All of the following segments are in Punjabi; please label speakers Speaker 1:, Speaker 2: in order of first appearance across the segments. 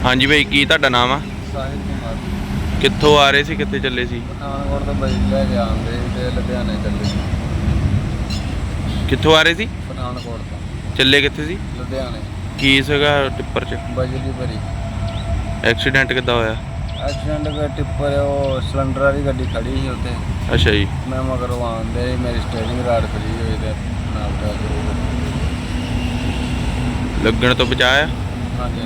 Speaker 1: ਹਾਂਜੀ ਭਾਈ, ਕੀ ਤੁਹਾਡਾ ਨਾਮ ਆ?
Speaker 2: ਸਾਹਿਲ ਕੁਮਾਰ।
Speaker 1: ਕਿੱਥੋਂ ਆ ਰਹੇ ਸੀ, ਕਿੱਥੇ ਚੱਲੇ ਸੀ?
Speaker 2: ਪਠਾਨਕੋਟ ਤੋਂ ਬਾਈ ਲੈ ਕੇ ਆਉਂਦੇ ਤੇ ਲੁਧਿਆਣੇ ਚੱਲੇ ਸੀ।
Speaker 1: ਕਿੱਥੋਂ ਆ ਰਹੇ ਸੀ?
Speaker 2: ਪਠਾਨਕੋਟ ਤੋਂ
Speaker 1: ਚੱਲੇ ਕਿੱਥੇ ਸੀ?
Speaker 2: ਲੁਧਿਆਣੇ।
Speaker 1: ਕੀ ਸੀਗਾ ਟਿੱਪਰ 'ਚ?
Speaker 2: ਬਜਲੀ ਭਰੀ।
Speaker 1: ਐਕਸੀਡੈਂਟ ਕਿੱਦਾਂ ਹੋਇਆ?
Speaker 2: ਐਕਸੀਡੈਂਟ ਦਾ ਟਿੱਪਰ ਉਹ ਸਿਲੰਡਰ ਵਾਲੀ ਗੱਡੀ ਖੜੀ ਸੀ ਉੱਥੇ।
Speaker 1: ਅੱਛਾ ਜੀ।
Speaker 2: ਮੈਂ ਮਗਰੋਂ ਆਉਂਦੇ ਮੇਰੀ ਸਟੀਅਰਿੰਗ ਰਾਡ ਫਰੀ ਹੋਈ ਤੇ ਨਾਲ ਦਾ
Speaker 1: ਲੱਗਣ ਤੋਂ ਬਚਾਇਆ?
Speaker 2: ਹਾਂਜੀ।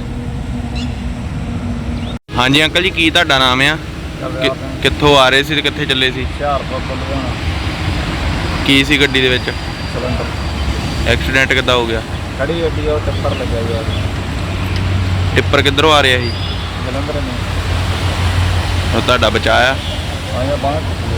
Speaker 1: ਹਾਂਜੀ ਅੰਕਲ ਜੀ, ਕੀ ਤੁਹਾਡਾ ਨਾਮ ਆ? ਕਿੱਥੋਂ ਆ ਰਹੇ ਸੀ ਤੇ ਕਿੱਥੇ ਚੱਲੇ ਸੀ?
Speaker 2: ਹੁਸ਼ਿਆਰਪੁਰ ਤੋਂ ਲੁਧਿਆਣਾ।
Speaker 1: ਕੀ ਸੀ ਗੱਡੀ ਦੇ ਵਿੱਚ?
Speaker 2: ਸਿਲੰਡਰ।
Speaker 1: ਐਕਸੀਡੈਂਟ ਕਿੱਦਾਂ ਹੋ ਗਿਆ?
Speaker 2: ਖੜੀ ਗੱਡੀ ਉਹ ਟਿੱਪਰ ਲੱਗਿਆ ਯਾਰ।
Speaker 1: ਟਿੱਪਰ ਕਿੱਧਰੋਂ ਆ ਰਿਹਾ ਸੀ?
Speaker 2: ਜਲੰਧਰ ਨੇ।
Speaker 1: ਉਹ ਤੁਹਾਡਾ ਬਚਾਇਆ?
Speaker 2: ਆਇਆ ਬਾਹਰ।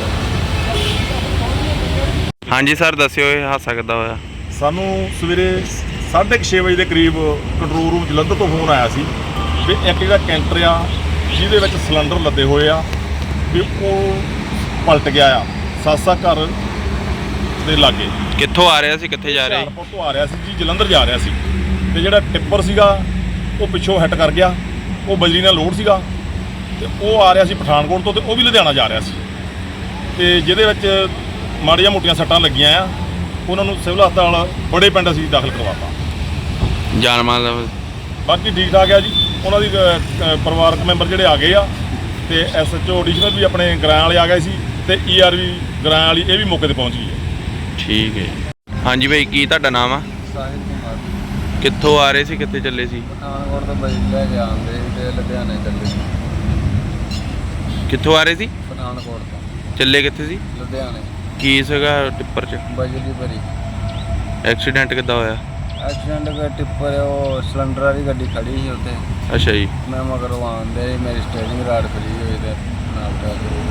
Speaker 1: ਹਾਂਜੀ ਸਰ, ਦੱਸਿਓ ਇਹ ਹਾਦਸਾ ਕਿੱਦਾਂ ਹੋਇਆ?
Speaker 3: ਸਾਨੂੰ ਸਵੇਰੇ 6:30 ਵਜੇ ਦੇ ਕਰੀਬ ਕੰਟਰੋਲ ਰੂਮ ਜਲੰਧਰ ਤੋਂ ਫੋਨ ਆਇਆ ਸੀ ਵੀ ਇੱਕ ਜਿਹੜਾ ਕੈਂਟਰ ਆ ਜਿਹਦੇ ਵਿੱਚ ਸਿਲੰਡਰ ਲੱਦੇ ਹੋਏ ਆ ਵੀ ਉਹ ਪਲਟ ਗਿਆ ਆ ਸਾਸਾ ਘਰ ਦੇ ਲਾਗੇ।
Speaker 1: ਕਿੱਥੋਂ ਆ ਰਿਹਾ ਸੀ, ਕਿੱਥੇ ਜਾ ਰਿਹਾ ਸੀ?
Speaker 3: ਹੁਸ਼ਿਆਰਪੁਰ ਤੋਂ ਆ ਰਿਹਾ ਸੀ ਜੀ, ਜਲੰਧਰ ਜਾ ਰਿਹਾ ਸੀ ਤੇ ਜਿਹੜਾ ਟਿੱਪਰ ਸੀਗਾ ਉਹ ਪਿੱਛੋਂ ਹਿੱਟ ਕਰ ਗਿਆ। ਉਹ ਬਜਰੀ ਨਾਲ ਲੋਡ ਸੀਗਾ ਤੇ ਉਹ ਆ ਰਿਹਾ ਸੀ ਪਠਾਨਕੋਟ ਤੋਂ ਤੇ ਉਹ ਵੀ ਲੁਧਿਆਣਾ ਜਾ ਰਿਹਾ ਸੀ ਤੇ ਜਿਹਦੇ ਵਿੱਚ ਮਾੜੀਆਂ ਮੋਟੀਆਂ ਸੱਟਾਂ ਲੱਗੀਆਂ ਆ। ਉਹਨਾਂ ਨੂੰ ਸਿਵਲ ਹਸਪਤਾਲ ਬੜੇ ਪਿੰਡ ਅਸੀਂ ਦਾਖਲ ਕਰਵਾਤਾ।
Speaker 1: ਜਾਨ ਮਾਲ ਦਾ?
Speaker 3: ਬਾਕੀ ਠੀਕ ਠਾਕ ਆ ਜੀ। ਉਹਨਾਂ ਦੀ ਪਰਿਵਾਰਕ ਮੈਂਬਰ ਜਿਹੜੇ ਆ ਗਏ ਆ ਤੇ ਐਸਐਚਓ ਐਡੀਸ਼ਨਲ ਵੀ ਆਪਣੇ ਗਰਾਂ ਵਾਲੇ ਆ ਗਏ ਸੀ ਤੇ ਈਆਰਵੀ ਗਰਾਂ ਵਾਲੀ ਇਹ ਵੀ ਮੌਕੇ ਤੇ ਪਹੁੰਚ ਗਈ ਹੈ।
Speaker 1: ਠੀਕ ਹੈ। ਹਾਂਜੀ ਭਾਈ, ਕੀ ਤੁਹਾਡਾ ਨਾਮ ਆ?
Speaker 2: ਸਾਹਿਲ ਕੁਮਾਰ।
Speaker 1: ਕਿੱਥੋਂ ਆ ਰਹੇ ਸੀ, ਕਿੱਥੇ ਚੱਲੇ ਸੀ?
Speaker 2: ਪਠਾਨਕੋਟ ਤੋਂ ਬਾਈ ਲੈ ਕੇ ਆਉਂਦੇ ਤੇ ਲੁਧਿਆਣੇ ਚੱਲੇ ਸੀ।
Speaker 1: ਕਿੱਥੋਂ ਆ ਰਹੇ ਸੀ?
Speaker 2: ਪਠਾਨਕੋਟ ਤੋਂ
Speaker 1: ਚੱਲੇ ਕਿੱਥੇ ਸੀ?
Speaker 2: ਲੁਧਿਆਣੇ।
Speaker 1: ਕੀ ਸੀਗਾ ਟਿੱਪਰ 'ਚ?
Speaker 2: ਬਜਲੀ ਭਰੀ।
Speaker 1: ਐਕਸੀਡੈਂਟ ਕਿੱਦਾਂ ਹੋਇਆ?
Speaker 2: ਐਕਸੀਡੈਂਟ ਦਾ ਟਿੱਪਰ ਉਹ ਸਿਲੰਡਰ ਵਾਲੀ ਗੱਡੀ ਖੜੀ ਸੀ ਉੱਥੇ।
Speaker 1: ਅੱਛਾ ਜੀ।
Speaker 2: ਮੈਂ ਮਗਰੋਂ ਆਉਂਦੇ ਮੇਰੀ ਸਟੀਅਰਿੰਗ ਰਾਡ ਫਰੀ ਹੋਈ ਤੇ ਨਾਲ ਦਾ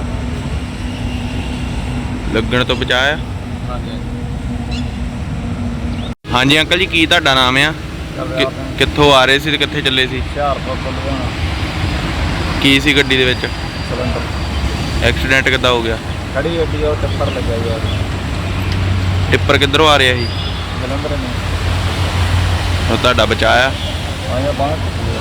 Speaker 1: ਲੱਗਣ ਤੋਂ ਬਚਾਇਆ?
Speaker 2: ਹਾਂਜੀ।
Speaker 1: ਹਾਂਜੀ ਅੰਕਲ ਜੀ, ਕੀ ਤੁਹਾਡਾ ਨਾਮ ਆ? ਕਿੱਥੋਂ ਆ ਰਹੇ ਸੀ ਤੇ ਕਿੱਥੇ ਚੱਲੇ ਸੀ?
Speaker 2: ਹੁਸ਼ਿਆਰਪੁਰ ਤੋਂ ਲੁਧਿਆਣਾ।
Speaker 1: ਕੀ ਸੀ ਗੱਡੀ ਦੇ ਵਿੱਚ?
Speaker 2: ਸਿਲੰਡਰ।
Speaker 1: ਐਕਸੀਡੈਂਟ ਕਿੱਦਾਂ ਹੋ ਗਿਆ?
Speaker 2: ਖੜੀ ਗੱਡੀ ਉਹ ਟਿੱਪਰ ਲੱਗਿਆ ਯਾਰ।
Speaker 1: ਟਿੱਪਰ ਕਿੱਧਰੋਂ ਆ ਰਿਹਾ ਸੀ?
Speaker 2: ਜਲੰਧਰ ਨੇ।
Speaker 1: ਉਹ ਤੁਹਾਡਾ ਬਚਾਇਆ?
Speaker 2: ਆਇਆ ਬਾਹਰ।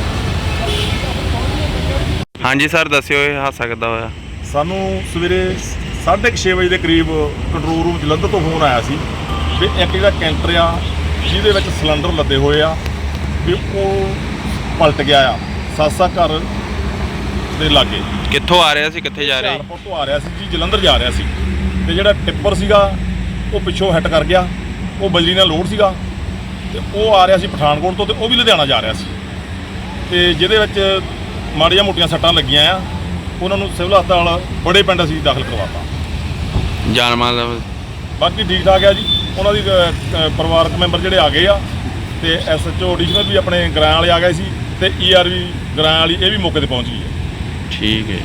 Speaker 1: ਹਾਂਜੀ ਸਰ, ਦੱਸਿਓ ਇਹ ਹਾਦਸਾ ਕਿੱਦਾਂ ਹੋਇਆ?
Speaker 3: ਸਾਨੂੰ ਸਵੇਰੇ 6:30 ਵਜੇ ਦੇ ਕਰੀਬ ਕੰਟਰੋਲ ਰੂਮ ਜਲੰਧਰ ਤੋਂ ਫੋਨ ਆਇਆ ਸੀ ਵੀ ਇੱਕ ਜਿਹੜਾ ਕੈਂਟਰ ਆ ਜਿਹਦੇ ਵਿੱਚ ਸਿਲੰਡਰ ਲੱਦੇ ਹੋਏ ਆ ਵੀ ਉਹ ਪਲਟ ਗਿਆ ਆ ਸਾਸਾ ਘਰ ਦੇ ਲਾਗੇ।
Speaker 1: ਕਿੱਥੋਂ ਆ ਰਿਹਾ ਸੀ, ਕਿੱਥੇ ਜਾ ਰਿਹਾ ਸੀ?
Speaker 3: ਹੁਸ਼ਿਆਰਪੁਰ ਤੋਂ ਆ ਰਿਹਾ ਸੀ ਜੀ, ਜਲੰਧਰ ਜਾ ਰਿਹਾ ਸੀ ਤੇ ਜਿਹੜਾ ਟਿੱਪਰ ਸੀਗਾ ਉਹ ਪਿੱਛੋਂ ਹਿੱਟ ਕਰ ਗਿਆ। ਉਹ ਬਜਰੀ ਨਾਲ ਲੋਡ ਸੀਗਾ ਤੇ ਉਹ ਆ ਰਿਹਾ ਸੀ ਪਠਾਨਕੋਟ ਤੋਂ ਤੇ ਉਹ ਵੀ ਲੁਧਿਆਣਾ ਜਾ ਰਿਹਾ ਸੀ ਤੇ ਜਿਹਦੇ ਵਿੱਚ ਮਾੜੀਆਂ ਮੋਟੀਆਂ ਸੱਟਾਂ ਲੱਗੀਆਂ ਆ। ਉਹਨਾਂ ਨੂੰ ਸਿਵਲ ਹਸਪਤਾਲ ਬੜੇ ਪਿੰਡ ਅਸੀਂ ਦਾਖਲ ਕਰਵਾਤਾ।
Speaker 1: ਜਾਨ ਮਾਲ ਦਾ?
Speaker 3: ਬਾਕੀ ਠੀਕ ਠਾਕ ਆ ਜੀ। ਉਹਨਾਂ ਦੀ ਪਰਿਵਾਰਕ ਮੈਂਬਰ ਜਿਹੜੇ ਆ ਗਏ ਆ ਤੇ ਐਸਐਚਓ ਐਡੀਸ਼ਨਲ ਵੀ ਆਪਣੇ ਗਰਾਂ ਵਾਲੇ ਆ ਗਏ ਸੀ ਤੇ ਈਆਰਵੀ ਗਰਾਂ ਵਾਲੀ ਇਹ ਵੀ ਮੌਕੇ ਤੇ ਪਹੁੰਚ ਗਈ ਹੈ।
Speaker 1: ਠੀਕ ਹੈ।